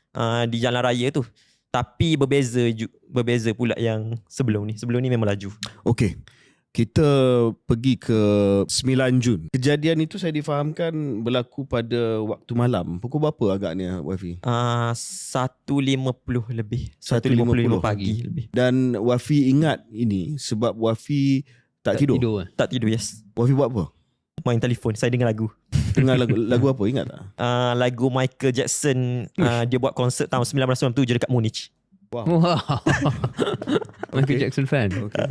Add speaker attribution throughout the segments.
Speaker 1: di jalan raya tu. Tapi berbeza pula yang sebelum ni. Sebelum ni memang laju.
Speaker 2: Okey. Kita pergi ke 9 Jun. Kejadian itu saya difahamkan berlaku pada waktu malam. Pukul berapa agaknya, Wafi?
Speaker 1: 1.50 lebih. 1.55 pagi lebih.
Speaker 2: Dan Wafi ingat ini sebab Wafi tak tidur.
Speaker 1: Tak tidur, yes.
Speaker 2: Wafi buat apa?
Speaker 1: Main telefon. Saya dengar lagu.
Speaker 2: Dengar lagu apa? Ingat tak?
Speaker 1: Lagu Michael Jackson. Dia buat konsert tahun 1997 dekat Munich.
Speaker 3: Wow. Michael Jackson fan.
Speaker 2: Okay.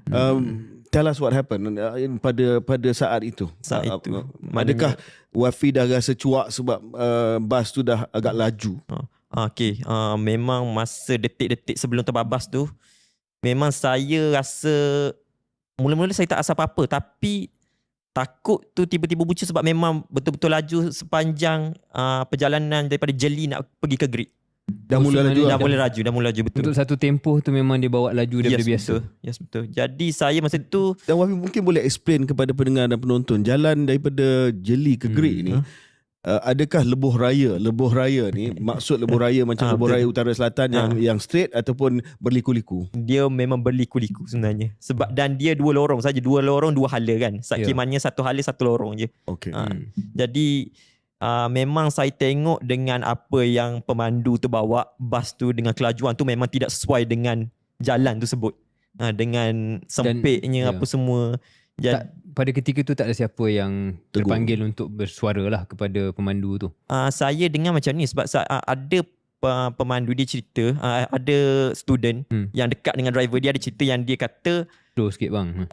Speaker 2: Tell us what happened pada saat itu. Adakah Wafi dah rasa cuak sebab bas tu dah agak laju?
Speaker 1: Okay. Memang masa detik-detik sebelum terbabas tu, memang saya rasa mula-mula saya tak rasa apa-apa, tapi takut tu tiba-tiba bucu sebab memang betul-betul laju sepanjang perjalanan daripada Jeli nak pergi ke Grid. Dah mula laju betul.
Speaker 3: Untuk satu tempoh tu memang dia bawa laju daripada biasa.
Speaker 1: Yes, betul. Jadi saya masa tu,
Speaker 2: dan Wafi mungkin boleh explain kepada pendengar dan penonton jalan daripada Jeli ke Grid ni. Adakah lebuh raya ni maksud lebuh raya macam lebuh raya utara selatan yang straight ataupun berliku-liku?
Speaker 1: Dia memang berliku-liku sebenarnya. Sebab dan dia dua lorong saja, dua hala kan. Sakimannya satu hala satu lorong je.
Speaker 2: Okey.
Speaker 1: Jadi memang saya tengok dengan apa yang pemandu tu bawa, bas tu dengan kelajuan tu memang tidak sesuai dengan jalan tersebut. Dengan sempitnya apa semua.
Speaker 3: Pada ketika tu tak ada siapa yang terpanggil untuk bersuara lah kepada pemandu tu.
Speaker 1: Saya dengar macam ni sebab ada pemandu dia cerita, ada student yang dekat dengan driver dia, ada cerita yang dia kata
Speaker 3: slow sikit bang.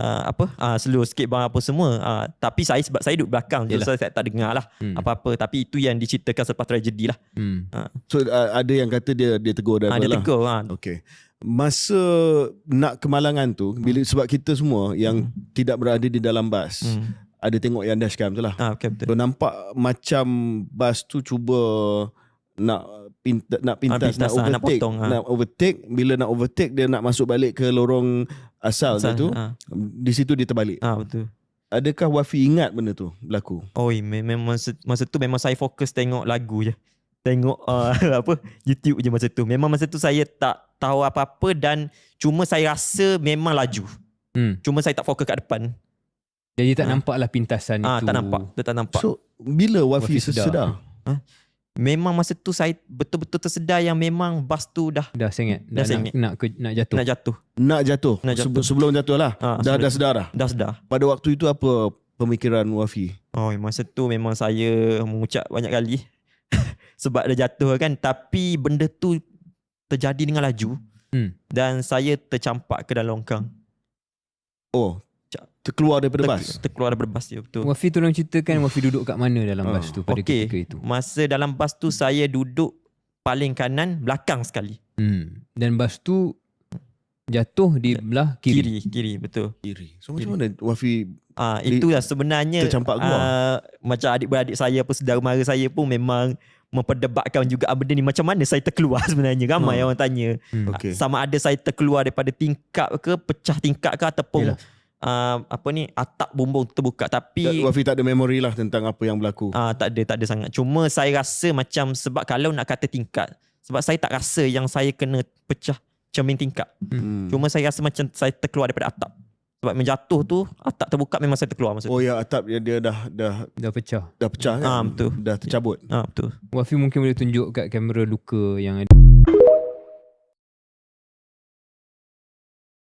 Speaker 1: Slow sikit bang apa semua. Tapi sebab saya duduk belakang je, saya tak dengar lah apa-apa. Tapi itu yang diceritakan selepas tragedi lah.
Speaker 2: So ada yang kata dia tegur driver lah.
Speaker 1: Dia tegur.
Speaker 2: Okay. Masa nak ke Malangan tu, sebab kita semua yang tidak berada di dalam bas, ada tengok yang dashcam tu lah.
Speaker 1: Okay, betul.
Speaker 2: So nampak macam bas tu cuba nak pintas, nak overtake. Bila nak overtake, dia nak masuk balik ke lorong asal tu. Di situ dia terbalik.
Speaker 1: Betul.
Speaker 2: Adakah Wafi ingat benda tu berlaku?
Speaker 1: Memang masa tu memang saya fokus tengok lagu je. Tengok YouTube je masa tu. Memang masa tu saya tak tahu apa-apa dan cuma saya rasa memang laju. Cuma saya tak fokus kat depan.
Speaker 3: Jadi tak nampak lah pintasan itu.
Speaker 1: Tak nampak.
Speaker 2: So bila Wafi sedar?
Speaker 1: Memang masa tu saya betul-betul tersedar yang memang bas tu dah
Speaker 3: sengit. Nak jatuh.
Speaker 2: Sebelum jatuh lah. Dah sedar lah.
Speaker 1: Dah sedar.
Speaker 2: Pada waktu itu apa pemikiran Wafi?
Speaker 1: Masa tu memang saya mengucap banyak kali sebab dah jatuh kan. Tapi benda tu terjadi dengan laju dan saya tercampak ke dalam longkang.
Speaker 2: Terkeluar daripada bas?
Speaker 1: Terkeluar daripada bas, ya betul.
Speaker 3: Wafi tolong ceritakan Wafi duduk kat mana dalam bas tu pada ketika itu?
Speaker 1: Masa dalam bas tu saya duduk paling kanan, belakang sekali.
Speaker 3: Dan bas tu jatuh di belah kiri.
Speaker 1: Kiri, betul.
Speaker 2: Kiri. So macam mana Wafi
Speaker 1: itulah sebenarnya
Speaker 2: tercampak keluar?
Speaker 1: Macam adik-beradik saya apa saudara mara saya pun memang memperdebatkan juga benda ni, macam mana saya terkeluar sebenarnya. Ramai orang tanya. Sama ada saya terkeluar daripada tingkap ke, pecah tingkap ke, ataupun atap bumbung terbuka. Tapi
Speaker 2: Wafi tak ada memori lah tentang apa yang berlaku.
Speaker 1: Tak ada sangat. Cuma saya rasa macam, sebab kalau nak kata tingkap, sebab saya tak rasa yang saya kena pecah cermin tingkap. Cuma saya rasa macam saya terkeluar daripada atap. Sebab menjatuh tu atap terbuka, memang saya terkeluar masa tu.
Speaker 2: Atap dia dah
Speaker 3: pecah.
Speaker 2: Dah pecah kan?
Speaker 1: Betul.
Speaker 2: Dah tercabut.
Speaker 1: Betul.
Speaker 3: Wafi mungkin boleh tunjuk kat kamera luka yang ada.